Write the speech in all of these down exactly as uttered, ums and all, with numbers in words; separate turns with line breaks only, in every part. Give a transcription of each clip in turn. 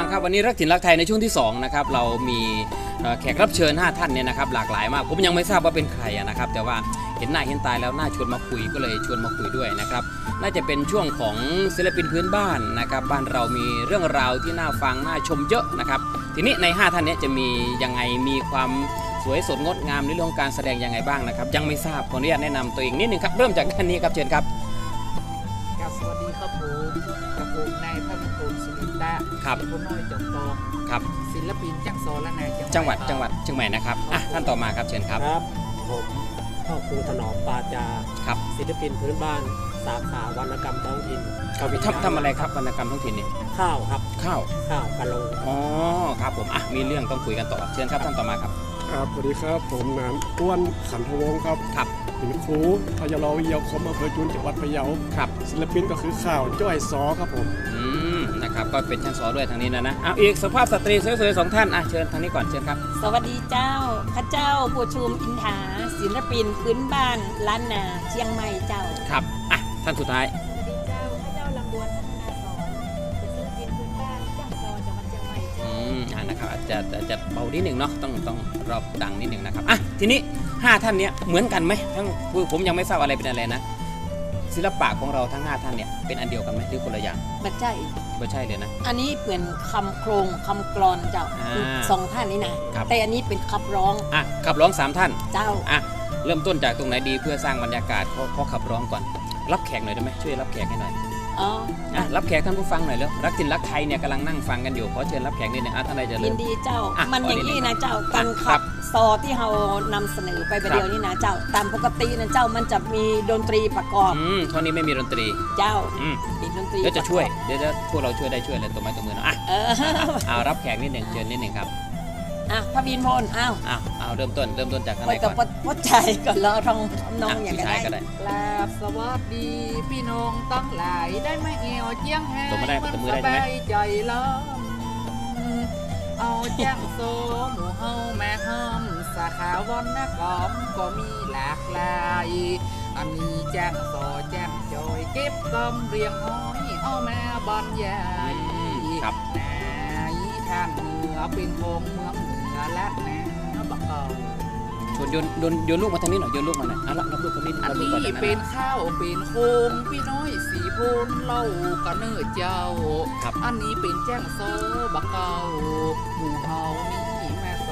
ฟังครับวันนี้รักถิ่นรักไทยในช่วงที่สองนะครับเรามีแขกรับเชิญห้าท่านเนี่ยนะครับหลากหลายมากผมยังไม่ทราบว่าเป็นใครนะครับแต่ว่าเห็นหน้าเห็นตาแล้วน่าชวนมาคุยก็เลยชวนมาคุยด้วยนะครับน่าจะเป็นช่วงของศิลปินพื้นบ้านนะครับบ้านเรามีเรื่องราวที่น่าฟังน่าชมเยอะนะครับทีนี้ในห้าท่านนี้จะมียังไงมีความสวยสดงดงามในเรื่องของการแสดงยังไงบ้างนะครับยังไม่ทราบขออนุญาตแนะนำตัวเองนิดนึงครับเริ่มจากด้านนี้ครับเชิญครับ
ครับสวัสดีครับผมกับผมนายภาคภูมิสุรินทร์ครับผู้น้อยจอมทอง
ครับ
ศิลปินจังโซและนาย
จังหวัดจังหวัดเชียงใหม่นะครับอ่ะท่านต่อมาครับเชิญครับ
ครับผมพ่อครูถนอมปาจา
ครับ
ศิลปินพื้นบ้านสาขาวรรณกรรมท้องถิ่น
ครับทำทำอะไรครับวรรณกรรมท้องถิ่นนี่
ข้าวครับ
ข้าว
ข้าวกะโล
อ๋อครับผมอ่ะมีเรื่องต้องคุยกันต่อเชิญครับท่านต่อมาครับ
ครับสวัสดีครับผมนามอ้วนขันทวงศ์ครับ
ครับ
เป็นครูพยาลวิทยาคมอำเภอจุนจังหวัดพะเยา
ครับ
ศิลปินก็คือข่าวจ้อยซอครับผม
อืมนะครับก็เป็นช่างซอด้วยทางนี้นะนะเอาอีกสภาพสตรีสวยๆสองท่านอ่ะเชิญทางนี้ก่อนเชิญครับ
สวัสดีเจ้าข้าเจ้าผู้ชุมอินทาศิลปินพื้นบ้านล้านนาเชียงใหม่เจ้า
ครับอ่ะท่านสุดท้าย
สวัสดีเจ้าข้าเจ้าลำดวนพัฒนาสอนเป็นศิลปินพื้นบ้านจังซอจังหวัดเชียงใหม่เจ้า
อืมอ่านะครับอาจจะอาจจะเบานิดหนึ่งเนาะต้องต้องรอบดังนิดหนึ่งนะครับอ่ะทีนี้ห้าท่านเนี้ยเหมือนกันไหมทั้งผมยังไม่ทราบอะไรเป็นอะไรนะศิลปะของเราทั้งห้าท่านเนี่ยเป็นอันเดียวกันไหมหรือคนละอย่าง
บัจใจ
บัจใช่เลยนะ
อันนี้เป็นคำโครงคำกลอนเจ้าสองท่านนี้นะแต่อันนี้เป็นขับร้อง
อ่ะขับร้องสามท่าน
เจ้า
อ่ะเริ่มต้นจากตรงไหนดีเพื่อสร้างบรรยากาศเขาเขาขับร้องก่อนรับแขกหน่อยได้ไหมช่วยรับแขกให้หน่อย
อ๋อ
อ่ะรับแขกท่านผู้ฟังหน่อยแล้วรักถิ่นรักไทยเนี่ยกำลังนั่งฟังกันอยู่ขอเชิญรับแขกนิดนึงอ่ะท่านใดจะเริ่ม
ยินดีเจ้ามันอย่างนี้นะเจ้าการขับซอที่เรานำเสนอไปประเดี๋ยวนี้นะเจ้าตามปกตินะเจ้ามันจะมีดนตรีประกอบ
อืมท่อนนี้ไม่มีดนตรี
เจ้า
อืม
มีดนตรี
เดี๋ยวจะช่วยเดี๋ยวพวกเราช่วยได้ช่วยเลยตัวไม้ตัวมือนะอ่ะเอารับแขกนิดหนึ่งเชิญนิดหนึ่งครับ
อ่ะพระบินพลอ้าว
อ้าวเอาเริ่มต้นเริ่มต้นจากทางไหนก่อน
วัดใจก่อนแล้วทองน้องอย่างไร
ก็ได้
กราบสวัสดีพี่น้องตั้งหลายได้ไม่เอวเจียงแห่มันสบายใจล้อมเอาแจ้งโซหมู่เฮาแม่ห้อมสาขาวันนักอมก็มีหลากหลายอันนี้แจ้งโซแจ้งจอยเก็บกำเรียงห้อยเอาแม่บรรยาย
ครับ
นายทางเหนือเป็นโพงเมืองเหนือและแนวบักเกา
ชวนโยนโยนโยนลูกมาทางนี้หน่อยโยนลูกมาหน่อยเอาละรับลูกคนนี้
อันนี้เป็นข้าวเป็นโคมพี่น้อยสีโพนเล่ากระเนื้อเจ้าอันนี้เป็นแจ้งโซบักเกาหมู่เฮานี่แม่โซ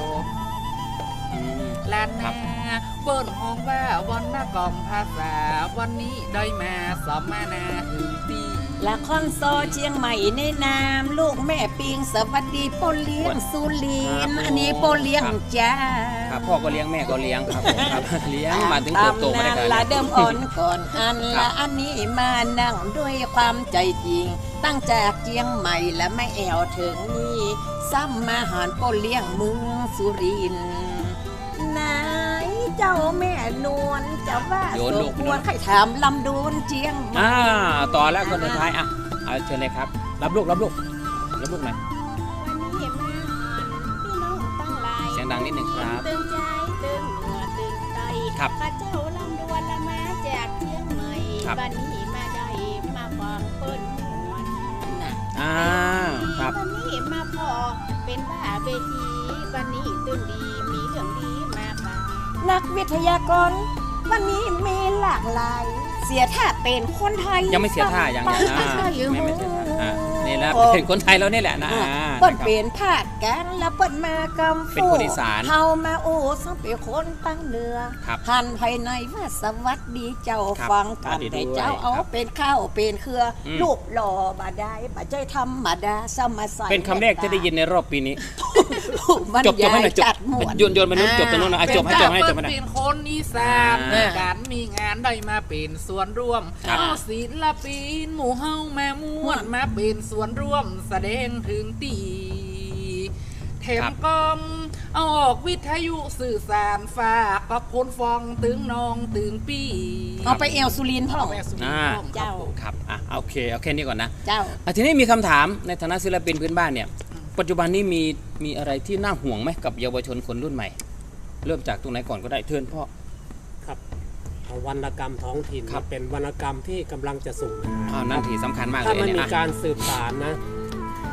และแน่เปิ้นห้องว่าวันหน้ากล่อมภาษาวันนี้ได้มาสอบมานาถึงปี
ละครซอเชียงใหม่ในนามลูกแม่ปิงสวัสดีพ่อเลี้ยงสุรินอันนี้พ่อเลี้ยงจ้า
ครับพ่อก็เลี้ยงแม่ก็เลี้ยงครับผมครับเลี้ยงมาถึงโตมาได้กัน
ละเดิมอ่อนก่อนอันละอันนี้มานั่งด้วยความใจจริงตั้งจากเชียงใหม่และไม่แอวถึงนี่ซ้ำมาหารพ่อเลี้ยงเมืองสุรินไหนเจ้าแม่นวลจะว่าสมควรใครถามลำดวนเจียง
อ่าต่อแล้วคนสุดท้ายอ่ะเอาเชิญเลยครับรับลูกรับลูกรับลูกหน่อย
วันนี้มาพี่น้องตั้งหลาย
เสียงดังนิดหนึ่งครับ
ตึงใจตึงหัวตึงไต
ครับ
ข้าเจ้าลำดวนละมาจากเชียงใหม่วันนี้มาได้มาฟังเปิ้นมวนนะ
อ่าครับ
วันนี้มาพอเป็นว่าเวทีวันนี้ตื่นดีมีเรื่องดีมาฝาก
นักวิทยากรวันนี้มีหลากหลายเสียท่าเป็นคนไทย
ยังไม่เสียท่าอย่างนั้นไม่ไม่เสียท่าอ่านี่แหละเป็นคนไทยแล้วนี่แหละนะ
เปิ้นเป็นภาคกลางแล้วเปิ้นมากำ
เป็นคนอีสาน
เฮามาโอ้สังเป็นคนตั้งเหนือหันภายในว่าสวัสดีเจ้าฟังกันแต่เจ้าเอาเป็นข้าวเป็นเครือรูปหล่อบาได้บ่ใจธรรมดาสมาใส
เป็นคำแรกที่ได้ยินในรอบปีนี้จบจบให้หน่อยจบโยนโยนมาโน้นจบตรงโน้นนะจบให้จบให้จบให้
เป็นคนอีสานการมีงานได้มาเป็นส่วนร่วมเอาศิลปินหมู่เฮาแม่ม่วนมาเป็นส่วนร่วมแสดงถึงตีเทมกอมเอาออกวิทยุสื่อสารฝากกับคนฟังตึงน้องตึงปี
เอาไปเอลสุรินทร์พ่อ
เจ้าครับอ่ะโอเคโอเคนี่ก่อนนะ
เจ้า
ทีนี้มีคำถามในฐานะศิลปินพื้นบ้านเนี่ยปัจจุบันนี้มีมีอะไรที่น่าห่วงไหมกับเยาวชนคนรุ่นใหม่เริ่มจากตรงไหนก่อนก็ได้เทิร์นพ่อ
ครับวรรณกรรมท้องถิ่นเป็นวรรณกรรมที่กำลังจะสูญหาย
นั่นถือสำคัญมากเลย
ถ้ามันมีการสืบสานนะ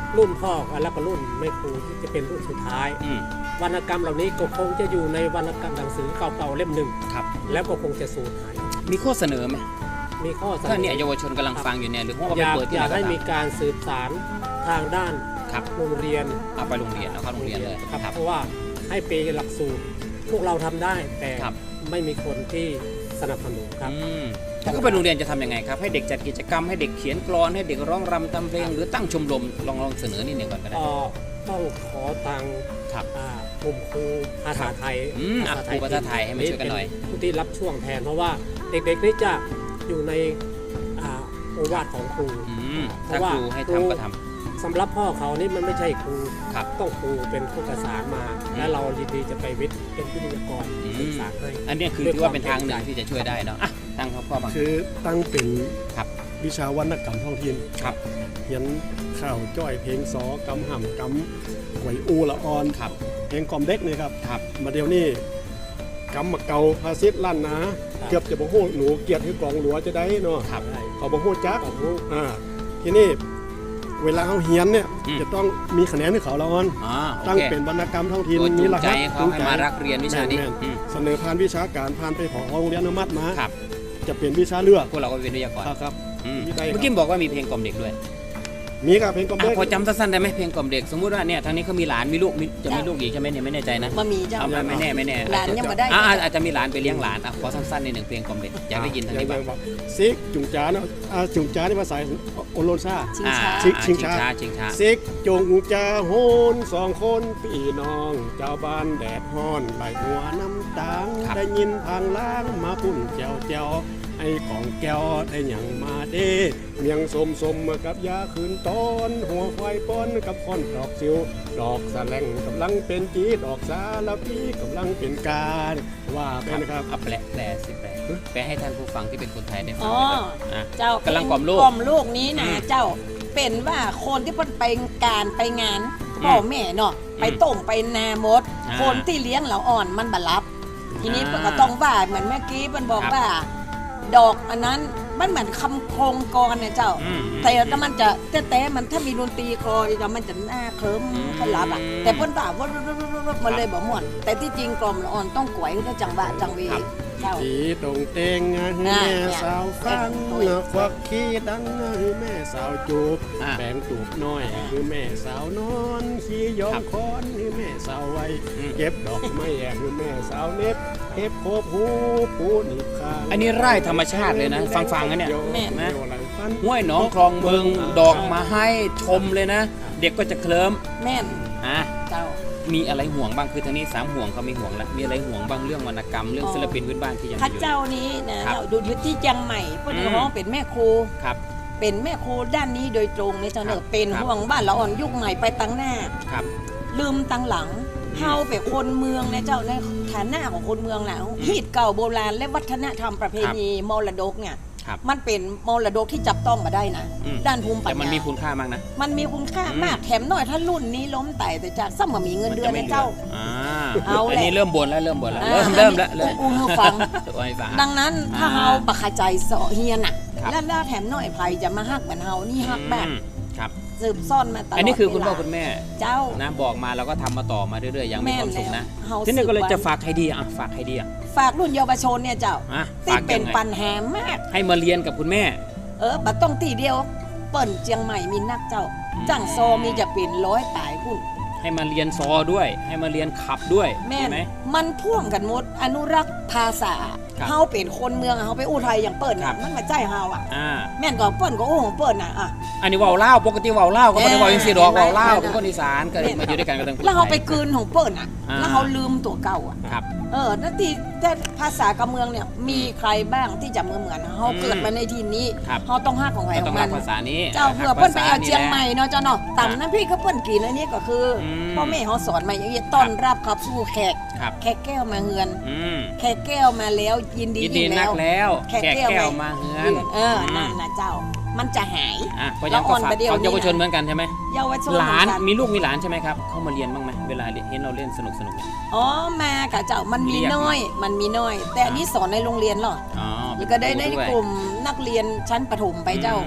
รุ่นพ่อแล้วก็รุ่นแม่ครูที่จะเป็นรุ่นสุดท้าย
อืม
วรรณกรรมเหล่านี้ก็คงจะอยู่ในวรรณกรรมหนังสือเก่าๆเล่มหนึ่ง
ครับ
แล้วก็คงจะสูญหาย
มีข้อเสนอไหม
มีข้อเสน
ถ้า
อ
เนี่ยเยาวชนกำลังฟังอยู่เนี่ยหรือว่า
อ
ไป
ยาก
เปิดที่
อ
ไหน
ยาก
ก็
ให้
ตาม
มีการสืบสารทางด้าน
ครับ
โรงเรียน
เอาไปโรงเรียนเอาเข้าโรงเรียนเลย
ครับ
ครับ
เพราะว่าให้เป็นหลักสูตรพวกเราทำได้แต่
ครับ
ไม่มีคนที่สนับสนุนครับ
อืมถ้าก็ไปโรงเรียนจะทำยังไงครับให้เด็กจัดกิจกรรมให้เด็กเขียนกลอนให้เด็กร้องรำทำเพลงหรือตั้งชมรมลองลองเสนอนิดหนึ่งก่อนก็ได้
ก็ต้องขอตัง
ครับ
อ่ากลุ่มครูภาษาไทย
อืมอ่ะครูภาษาไทยให้มาช่วยกันหน่อย
เป็ผู้ที่รับช่วงแทนเพราะว่าเด็กๆนี่จะอยู่ในอ่าโอวาทของครู
อืม
เพ
ถ้า
ราะว่า
ครูให้
ครู
ทำก็ท
สำหรับพ่อเขานี่มันไม่ใช่ครู
ครับ
ต้องครูเป็นผู้ประสานมา
อืม
และเรายินดีจะไปวิทย์เป็นวิทยากร
อืม
ศึกษาให้
ำอันเนี้ยคือถือว่าเป็นทางหนึ่งที่จะช่วยได้เนาะอ่ะตั้งครับพ่อบาง
คือตั้งเป็น
ครับ
วิชาวรรณกรรมท้องถิ่น
ครับ
เขียนข่าวจ้อยเพลงซอกำห่ำกำหวยอูละออน
ครับ
เพลงกล่อมเด็กนี่ครับ
ครับ
มาเดี๋ยวนี้กำมาเกาพาซิดลั่นนะเกือบจะบ่ฮู้หนูเกียรติให้กองหลัวจะได้เนาะ
ครับ
เขาบ่ฮู้จัก
ขอบคุณ
อ่าทีนี้เวลาเขาเฮียนเนี่ย
อืม
จะต้องมีคะแนนให้เขาละออน
อ๋อโอ
ตั้ง
เค
เป็นวรรณกรรมท้องถิ่น
ตัวจู
มี
ง
ร
ใจ
หัส
ให้เขาให้มารักเรียนวิชานี้
แม่น
อืม
ๆเสนอผ่านวิชาการผ่านไปขอโรงเรียนอนุมัติมา
ครับ
จะเป็นวิชาเลือก
พวกเราก็เป็นวิทยากร
ครับครับ
อืม
มีได้ครับ
เมื่อกี้บอกว่ามีเพลงกล่อมเด็กด้วย
มีครับเพลงกล่อม
อ่ะ
เด็ก
พอจำสั้นๆได้ไหมเพลงกล่อมเด็กสมมุติว่าเนี่ยทางนี้เขามีหลานมีลูกมีจะมีลูกอีกใช่ไหมเนี่ยไม่แน่ใจนะ
มามีเจ้า
เอาไม่ไม่แน่ไม่แน่
หลานยังบ่ได้
อ่ะอ่ะอาจจะมีหลานไปเลี้ยงหลานอ่ะขอสั้นๆในหนึ่งเพลงกล่อมเด็กอยากได้ยินทางนี้บ้าง
ว่าซิกจุงจ้าเนาะอ่าจุงจ้านี่ภาษาโอโลนซ่า
ชิง
อ่า
ช้า
ชิง
อ่า
ชิงช้า
ชิงช้า
ซิกจุงจ้าโหนสองคนพี่น้องเจ้าบ้านแดดฮ้อนไหลหัวน้ำตาง
ครับ
ได้ยินทางล้างมาพุ่นแจวแจวไอ้ของแก้วได้หยังมาเด้เมียงสมสมมากับยาคืนตอนหัวควายป้อนกับค้อนดอกซิวดอกสะแลงกำลังเป็นจีดอกสาละพีกำลังเป็นการว่าไปนะครับ
เอาแปลแปลสิแปลแปลให้ท่านผู้ฟังที่เป็นคนไทยได้ฟัง
อ๋อ
หน่อยครับอ่ะ
เจ้าก
ำลังกล่อมลูก
กล่อมลูกนี้นะ
อืม
เจ้าเป็นว่าคนที่เพิ่นไปการไปงาน
อืม
พ่อแม่เนาะไปต้มไปนามด
อ่า
คนที่เลี้ยงเราอ่อนมันบัรับ ทีนี้
อ่า
เพิ่นก็ต้องว่าเหมือนเมื่อกี้เพิ่นบอก
ครับ
ว่า ดอกอันนั้นมันเหมือนคำโครงกรเนี่ยเจ้า
อืม
แต่ถ้ามันจะแต่แต่มันถ้ามีดนตรีคลอเดี๋ยวมันจะหน้าเคลิ้ม
อืม
ขลับอ่ะแต่เพิ่นว่าว่ามันเลยบอกม่วนแต่ที่จริงกล่อมละอ่อนต้องกวยถ้าจังหวะจังหวี
ครับ
เจ้า
สีตรงเตงให้แม่สาวฟังควักขี้ดังให้แม่สาวจูบ
อ่ะ
แบ่งตูบน้อยคือแม่สาวนอนขี้ยอ
ครั
ม
บ
คอนคือแม่สาวไว้
อืม
เก็บดอกไม้แอกคือแม่สาวเน็บเก็บโคบหูปูหนีบคาง
อันนี้ไร่ธรรมชาติเลยนะฟังๆนะเนี่ย
แม่น
เดี๋ยวอะไรฟัน
ห้วยหนองคลองเมืองดอกมาให้ชมเลยนะ เด็กก็จะเคลิ้ม
แม่น
อ่ะ
เจ้า
มีอะไรห่วงบ้างคือทางนี้สามห่วงเขามีห่วงแล้วมีอะไรห่วงบ้างเรื่องวรรณกรรมเรื่อง
อ๋อ
ศิลปินพื้นบ้านที่ยัง
พระ
มีอยู่
เจ้านี้นะครับ เราดูอยู่ที่เจียงใหม่เพื่อน
อืม
ร้องเป็นแม่ครู
ครับ
เป็นแม่ครูด้านนี้โดยตรงเลยเจ้าเน
ครั
อะ
บ
เป็น
ครับ
ห่วงบ้านเราอ่อนยุคใหม่ไปตั้งหน้า
ครับ
ลืมตั้งหลังเฮาเป็นคนเมืองนะเจ้าในฐานะของคนเมืองแล้วฮีดเก่าโบราณและวัฒนธรรมประเพณีมรดกเนี่ย
ครับ
มันเป็นมรดกที่จับต้องมาได้นะ
อืม
ด้านภูมิปัญ
แต่
ญา
มันมีคุณค่ามากนะ
มันมีคุณค่า
อืม
มากแถมหน่อยถ้ารุ่นนี้ล้มไต่แต่จากซ้ำมามีเงินเดือนนะเจ้า
อ่า
เอาแหละ
อันนี้เริ่มบ่นแล้วเริ่มบ่นแล้ว
อ่า
เริ่มเริ่มแล้วเริ่ม
อู้หูฟัง
ตัวไอ้ฝา
ดังนั้นถ้า
อ่า
เฮาบักขใจเสาะเฮียนน่ะ
ครับ
แล้วแล้วแถมหน่อยภัยจะมาฮักเหมือนเฮานี่ฮักแบบ
อืมครับ
สืบซ่อนมาตลอด
อันนี้คือคุณ
เว
พ่อ
ลา
คุณแม่
เจ้า
นะบอกมาเราก็ทำมาต่อมาเรื่อยๆอย่างมีความสุขนะ
เฮา
ทีนี้ก็เลย
สืบวัน
จะฝากใครดีอ่ะฝากใครดีอ่ะ
ฝากรุ่นเยาวชนเนี่ยเจ้า
อ่ะ
ที่
ฝาก
เป็
ยั
น
งไง
ปัญหามาก
ให้มาเรียนกับคุณแม่
เออบัดต้องตีเดียว เปิ่นเจียงใหม่มีนักเจ้า
อืม
จังโซมีจะเป็นร้อยตายพุ่น
ให้มาเรียนซอด้วย ให้มาเรียนขับด้วย
แม่
ใช่
น
ไหม
มันพ่วงกันหมดอนุรักษ์ภาษา
ครับ
เฮาเป็นคนเมืองเฮาไปอู้ไทยอย่างเปิ่น
ครั
น่ะ
บ
มันมาใจเฮาอ่ะ
อ่า
แม่นก็เปิ่นก็โอ้ของเปิ่นน่ะอ่ะ
อันนี้เว่าวเล่าวปกติเว่าวเล่าวก็ไม่ได้เว่าวยังสีดอก
แม่น
เว่าวเล่าว
แม่น
เป็นคนอีสานก็เลยมาอยู่ด้วยกันก็ต้องพูด
แล้วเฮาไป
ทย
กลืนของเปิ่นอ่ะ
อ่า
แล้วเฮาลืมตัวเก่าอ่ะ
ครับ
เออนั่นที่แต่ภาษากับเมืองเนี่ยมีใครบ้างที่จะเหมือนเหมือนเฮา
อืม
เกิดมาในที่นี้
ครับ
เฮาต้องฮักของใคร
ก็
ข
ต้
อ
อง
ง
รั
มั
ก
น
ภาษานี้
เจ้าเผื่อเพิ่นไปเอาเจียงใหม่เนาะเจ้าเนาะต่ำน้ำพี่ก็เพิ่นกินอันนี้ก็คืออ
ม
พ่อแม่เขาสอนมาอย่างนี้ต้อนรับขับสู่แขก
ครับ
แขกแก้วมาเฮือน
อืม
แขกแก้วมาแล้วยินดี
ยินดี
ยิ่ง
นักแล้ว
แขก
แขก
แก้ว
แก้ว
ไหม
มาเฮือน
เออนั่นนะเจ้า มันจะหาย
อ่ะเพราะฉะนั้นก็
แล้วอ่อน
ฝาก
ประเดี๋ยว
ฝากเยาวชน
นี้นะ
เหมือนกันใช่ไหม
เยาวชน
หลาน
เหมือกั
มีลูกมีหลานใช่ไหมครับเข้ามาเรียนบ้างไหมเวลาเห็นเราเล่นสนุกสนุกๆเนี่ย
อ๋อมากับเจ้ามันมี
เรียก
น้อย มันมีน้อย แต่อันนี้สอนในโรงเรียนเหรอ
อ๋อ
แล้วก็ได้ใน
วย
กลุ่มนักเรียนชั้นประถมไปเจ้า
อืม
ป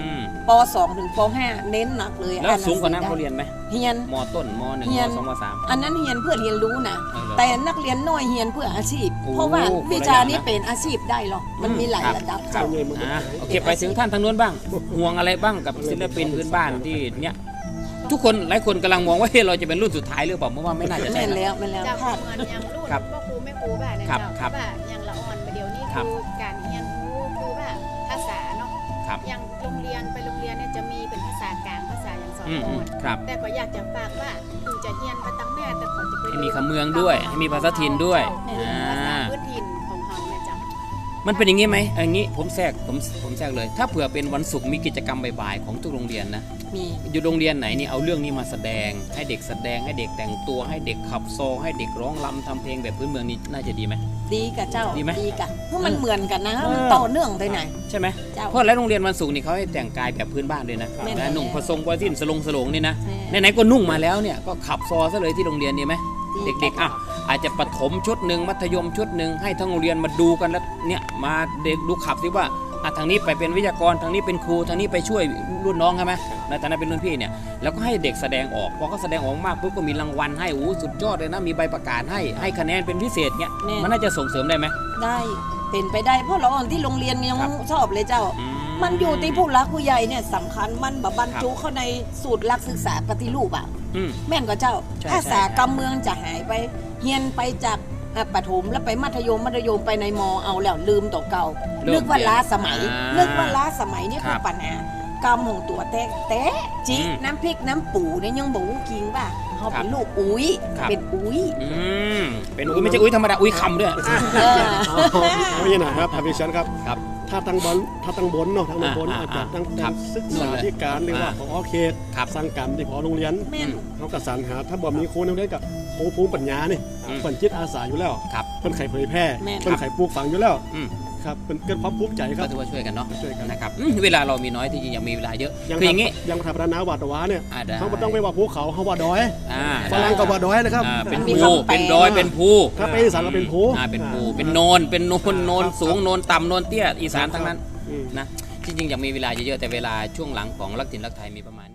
สองถึงปห้าเน้นหนักเลย
แล้วสูงกว่านั้นเขาเรียนไหม
เฮียน
มต้นมหนึ่ง
เรี
ม
ยน
สองมสาม
อันนั้นเฮียนเพื่อเรียนรู้นะ
เออเหรอ
แต่นักเรียนน้อยเฮียนเพื่ออาชีพ
โอ้
เพราะว่า
คนละ
วิชานี้
อย่างนะ
เป็นอาชีพได้หรอกมันมีหลาย
ครับ
ระดับ
ครั
เจ้า
บอ่าโอเคไปถึงท่านทางนู้นบ้างห่วงอะไรบ้างกับศิลปินพื้นบ้านที่เนี้ยทุกคนหลายคนกำลังมองว่าเฮ้ยเราจะเป็นรุ่นสุดท้ายหรือเปล่าเพราะว่าไม่น่าจะใช่
แม่น
นะ
แล้วแม่นแล้ว
เจ้า
คาด
เหมือนอย่างรุ่น
ครับ
พ่อครูแม่ครูบ้านนะ
ครั
เจ้า
บครับ
ว่าอย่างละอ่อนประเดี๋ยวนี้
ครับ
คือการเรียนรู้คือว่าภาษาเนาะ
ครับ
อย่างโรงเรียนไปโรงเรียนเนี่ยจะมีเป็นภาษากลางภาษาอย่างสอน
อืม
อ่
อื
อ
ม
น
ครับ
แต่ก็อยากจะฝากว่าถึงจะเรียนไปตั้งแม่แต่ขอจะไป
ให้มีคำเมืองด้วยให้มีภาษาถิ่นด้วย
ภาษา
อ่า
พื้นถิ่นของเฮาเนี่ยเจ้า
มันเป็นอย่างนี้ไหมอย่างนี้ผมแทรกผมผมแทรกเลย ถ้าเผื่อเป็นวันศุกร์มีกิจกรรมบ่ายๆของทุกโรงเรียนนะ
มี
อยู่โรงเรียนไหนนี่เอาเรื่องนี้มาแสดง ให้เด็กแสดงให้เด็กแต่งตัวให้เด็กขับโซให้เด็กร้องรำทำเพลงแบบพื้นเมืองนี่น่าจะดีไหม
ดีกับเจ้า
ดีไหม
กะเพราะมันเหมือนกันนะ
เออ
มันต่อเนื่องไปไหน
ใช่ไหม
เจ้า
เพราะหลายโรงเรียนวันศุกร์นี่เขาให้แต่งกายแบบพื้นบ้านด้วยนะ
แม่น
นะนุ่งผสมกวาสิ้นสลงสลงนี่นะ
แม่
ไหนๆก็นุ่งมาแล้วเนี่ยก็ขับซอซะเลยที่โรงเรียนดีไหม
ดี
เด็กๆอ่ะอาจจะประถมชุดหนึ่งมัธยมชุดหนึ่งให้ทั้งโรงเรียนมาดูกันแล้วเนี่ยมาเด็กดูขับสิว่าอ่ะทางนี้ไปเป็นวิทยากรทางนี้เป็นครูทางนี้ไปช่วยรุ่นน้องใช่ไหมในฐานะเป็นรุ่นพี่เนี่ยแล้วก็ให้เด็กแสดงออกพอเขาแสดงออกมากปุ๊บก็มีรางวัลให้โอ้สุดยอดเลยนะมีใบประกาศให้ให้คะแนนเป็นพิเศษเนี่ย
แม่
มันน่าจะส่งเสริมได้ไหม
ได้เป็นไปได้เพราะเราอ่อนที่โรงเรียนยัง
ครับ
ชอบเลยเจ้า
อื
มันอยู่ที่ผู้รักผู้ใหญ่เนี่ยสำคัญมันแบบบรรจุ
ครับ
เข้าในสูตรหลักศึกษาปฏิรูปอ่ะ
อืม
แม่นกว่าเจ้า
ใช่
ภาษา
ใช่
กำเมืองจะหายไปเฮียนไปจากอ่ะประถมแล้วไปมัธยมมัธยมไปในมเอาแล้วลืมตัวเก่า
เริ่ม
นึกว่าล้าสมัย
อ่านึ
นึกว่าล้าสมัยนี่
ค
คื
รั
อบ ปัญหากำของตัวแต่แต่จิ
อืม
น้ำพริกน้ำปูเนี่ยยังบอกกิงว่าเขา
ครับ
เป็นลูกอุ้ย
ครับ
เป็นอุ้ย
อืมเป็นอุ้ยไม่ใช่อุ้ยธรรมดาอุ้ยคำด้วย
เออ
ไม่ใช่หนะครับทำดิฉันครับ
ครับ
ถ้าทางบนถ้าทางบนเนาะทางบน
อ่า
อาจจะ
อ่า
ทาง
ครับ
ศึกษาธิการหรือว่า
อ่า
ของอเขต
ครับ
สั่งการที่ขอโรงเรียน
แม่น
เขากระสานหาถ้าบ่มีครูในโรงเรียนกับครูภูมิปัญญานี่
อืม
เปิ่นจิตอาสาอยู่แล้ว
ครับ
เพิ่นไขเผยแพร่
แม่น
เพิ่นไขปลูกฝังอยู่แล้ว
อืม
ครับเป็นเกิดความภูมิใจค
ก็
รับ
ถือว่าช่วยกันเนาะ
ช่วยกัน
นะครับอืมเวลาเรามีน้อยที่จริงยังมีเวลาเยอะ
ยัง
คืออย่างนี้
นี้ยังทำรานาวาดวาเนี่ย
อ่าได้
เขาไม่ต้องไปว่าภูเขาเขาว่าดอย
อ่า
ฝรั่งก็ว่าดอยนะครับ
อ่าเป็น
มี
ภู
คำแปล
เป็นดอยเป็นภู
ถ้าไปอีสานก็เป็นภู
อ่าเป็นภูเป็นโนนเป็นโนนโนนสูงโนนต่ำโนนเตี้ยอีสานทั้งนั้น
อืม
นะจริงๆอยากมีเวลาเยอะๆแต่เวลาช่วงหลังของรักถิ่นรักไทยมีประมาณ